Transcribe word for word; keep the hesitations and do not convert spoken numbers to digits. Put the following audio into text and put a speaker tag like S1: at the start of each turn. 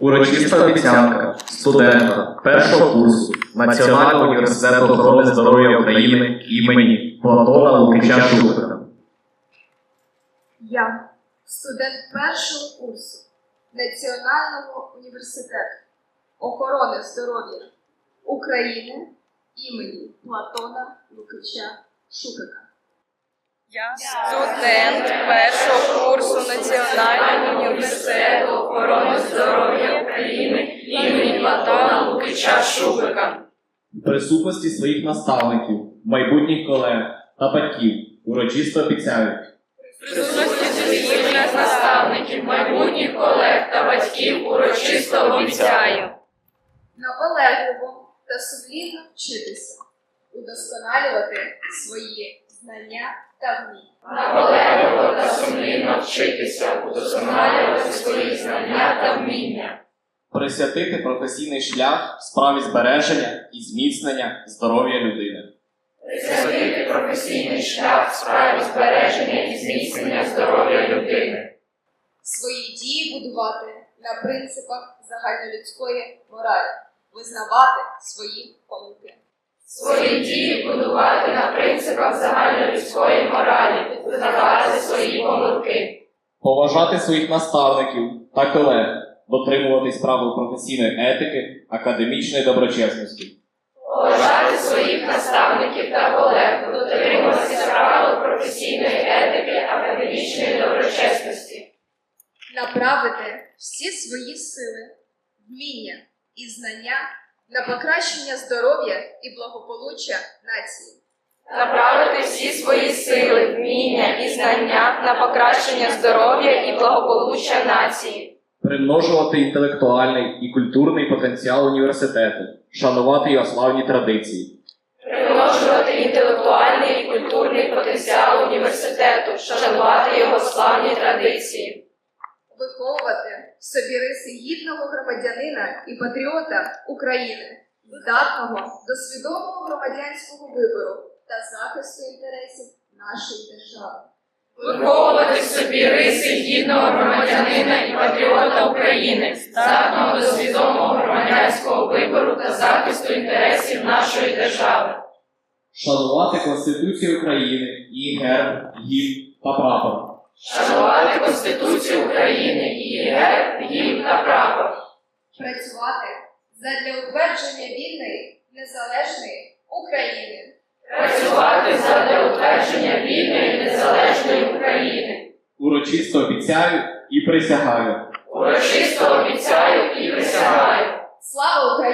S1: Урочиста обіцянка студента першого курсу Національного університету охорони здоров'я України імені Платона Лукича Шупика.
S2: Я, студент першого курсу Національного університету охорони здоров'я України імені Платона Лукича Шупика.
S3: Я студент першого курсу Національного університету охорони здоров'я України імені Платона Лукича Шупика.
S1: В присутності своїх наставників, майбутніх колег та батьків урочисто обіцяю.
S3: В присутності своїх наставників, майбутніх колег та батьків урочисто обіцяю.
S2: Наполегливо та сумлінно вчитися, удосконалювати свої знання та вміння.
S3: Наполегливо та сумлінно вчитися, удосконалювати свої знання та вміння.
S1: Присвятити професійний шлях справі збереження і зміцнення здоров'я людини.
S3: Присвятити професійний шлях в справі збереження і зміцнення здоров'я людини.
S2: Свої дії будувати на принципах загальнолюдської моралі, визнавати свої помилки.
S3: Свої дії будувати на принципах загальнолюдської моралі, визнавати свої помилки.
S1: Поважати своїх наставників та колег, дотримуватись правил професійної етики, академічної доброчесності.
S3: Поважати своїх наставників та колег, дотримуватися правил професійної етики, академічної доброчесності.
S2: Направити всі свої сили, вміння і знання на покращення здоров'я і благополуччя нації.
S3: Направити всі свої сили, вміння і знання на покращення здоров'я і благополуччя нації.
S1: Примножувати інтелектуальний і культурний потенціал університету, шанувати його славні традиції.
S3: Примножувати інтелектуальний і культурний потенціал університету, шанувати його славні традиції.
S2: Виховувати в собі риси гідного громадянина і патріота України, здатного до свідомого громадянського вибору та захисту інтересів нашої держави.
S3: Виховувати в собі риси гідного громадянина і патріота України, здатного до свідомого громадянського вибору та захисту інтересів нашої держави.
S1: Шанувати Конституцію України, її герб, гімн та прапор.
S3: Шанувати Конституцію України, її герб, гімн та прапор.
S2: Працювати задля утвердження вільної, незалежної України.
S3: Працювати задля утвердження вільної, незалежної України.
S1: Урочисто обіцяю і присягаю.
S3: Урочисто обіцяю і присягаю.
S2: Слава Україні!